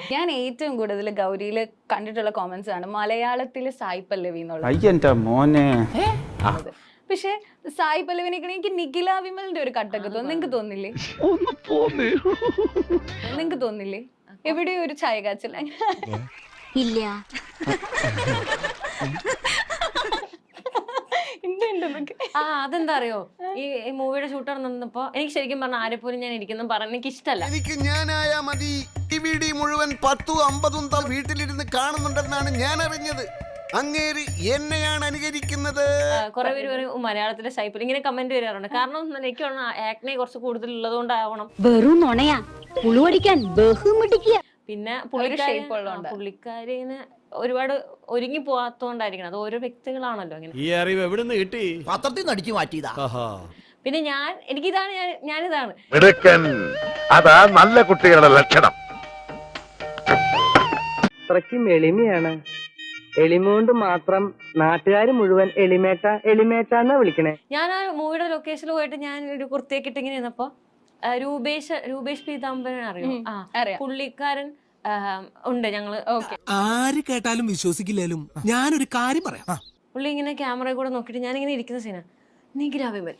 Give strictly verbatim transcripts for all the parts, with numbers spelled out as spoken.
ഞാൻ ഏറ്റവും കൂടുതൽ ഗൗരിയിൽ കണ്ടിട്ടുള്ള കോമന്റ്സ് ആണ് മലയാളത്തിലെ സായി പല്ലവി എന്നുള്ളത്. പക്ഷെ സായി പല്ലവിനേക്കാൾ എനിക്ക് നിഖില വിമലിന്റെ ഒരു കട്ടൊക്കെ തോന്നുന്നു. നിങ്ങക്ക് തോന്നില്ലേ? നിങ്ങക്ക് തോന്നില്ലേ എവിടെയോ ഒരു ചായ കാച്ചൽ? ഇല്ല. ആ അതെന്താ അറിയോ, ഈ മൂവിയുടെ ഷൂട്ട് നടന്നപ്പോ എനിക്ക് ശരിക്കും പറഞ്ഞ ആരെ പോലും ഞാൻ ഇരിക്കുന്ന പറഞ്ഞ എനിക്ക് ഇഷ്ടമല്ല. എനിക്ക് ഞാനായാ മതി. ടി വി ഡി മുഴുവൻ പത്തും അമ്പതും താൾ വീട്ടിലിരുന്ന് കാണുന്നുണ്ടെന്നാണ് ഞാൻ അറിഞ്ഞത്. അങ്ങേര് എന്നെയാണ് അനുകരിക്കുന്നത്. കുറെ പേര് പറയും മലയാളത്തിലെ സൈപ്പിൽ ഇങ്ങനെ കമന്റ് വരാറുണ്ട്. കാരണം എനിക്ക് ആക്നെ കുറച്ച് കൂടുതൽ ഉള്ളത് കൊണ്ടാവണം. വെറും നുണയാ, പുളുവടിക്കാൻ ബഹുമിടിക്കുക. പിന്നെ പുള്ളിക്കാരി പുള്ളിക്കാരിന് ഒരുപാട് ഒരുങ്ങി പോവാത്തോണ്ടായിരിക്കണം. അത് ഓരോ വ്യക്തികളാണല്ലോ അങ്ങനെ. ഈ അറിവ് എവിടെ നിന്ന് കിട്ടി? പത്രത്തിൽ നിന്ന് അടിച്ചു മാറ്റിയതാ. പിന്നെ ഞാൻ എനിക്കിതാണ് ഞാൻ ഞാനിതാണ് അതാ നല്ല കുട്ടികളുടെ ലക്ഷണം. അത്രയ്ക്കും എളിമയാണ്. എളിമ കൊണ്ട് മാത്രം നാട്ടുകാർ മുഴുവൻ എളിമേട്ട എളിമേട്ട എന്നാ വിളിക്കണേ. ഞാൻ ആ മൂവിയുടെ ലൊക്കേഷനിൽ പോയിട്ട് ഞാൻ ഒരു കുർത്തിയൊക്കെ ഇട്ട് ഇങ്ങനെ ഇരുന്നപ്പോ രൂപേഷ് രൂപേഷ് പീതാംബരൻ അറിയോ? ആ പുള്ളിക്കാരൻ ഉണ്ട്. ഞങ്ങള് ആര് കേട്ടാലും വിശ്വസിക്കില്ലാലും ഞാനൊരു കാര്യം പറയാം. പുള്ളി ഇങ്ങനെ ക്യാമറ കൂടെ നോക്കിട്ട് ഞാൻ ഇങ്ങനെ ഇരിക്കുന്ന സീന നിഖില വിമൽ.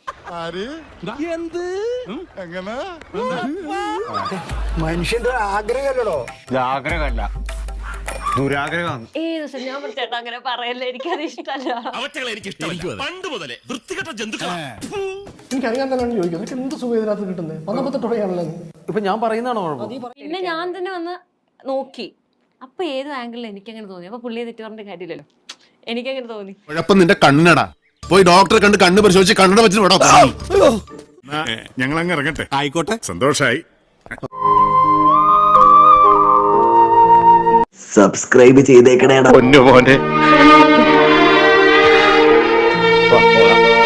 മനുഷ്യന്റെ ആഗ്രഹമല്ലോ. ആഗ്രഹമല്ല, ദുരാഗ്രഹമാണ്. ഏത് ദിവസം ഞാൻ ചേട്ടാ അങ്ങനെ പറയല്ലേ, എനിക്കത് ഇഷ്ടമല്ല. എനിക്കറിയാൻ തന്നെ ചോദിക്കുന്നത് എന്ത് സുഖം ഇതിനകത്ത് കിട്ടുന്നത്? പന്ത്രണ്ടൊട്ടോടെയാണല്ലോ. ഇപ്പൊ ഞാൻ പറയുന്നതാണോ? പിന്നെ ഞാൻ തന്നെ വന്ന് നോക്കി. അപ്പൊ ഏത് ആംഗിളിൽ എനിക്കങ്ങനെ തോന്നി. അപ്പൊ പുള്ളിയെ തെറ്റു പറഞ്ഞ കാര്യമില്ലല്ലോ, എനിക്കങ്ങനെ തോന്നി. കുഴപ്പം നിന്റെ കണ്ണിനടാ. പോയി ഡോക്ടറെ കണ്ട് കണ്ണ് പരിശോധിച്ച് കണ്ണട വെച്ചിട്ട് വിടാം. ഞങ്ങൾ അങ്ങ് ഇറങ്ങട്ടെ. ആയിക്കോട്ടെ, സന്തോഷായി. സബ്സ്ക്രൈബ് ചെയ്തേക്കണേടാ പൊന്നു മോനെ.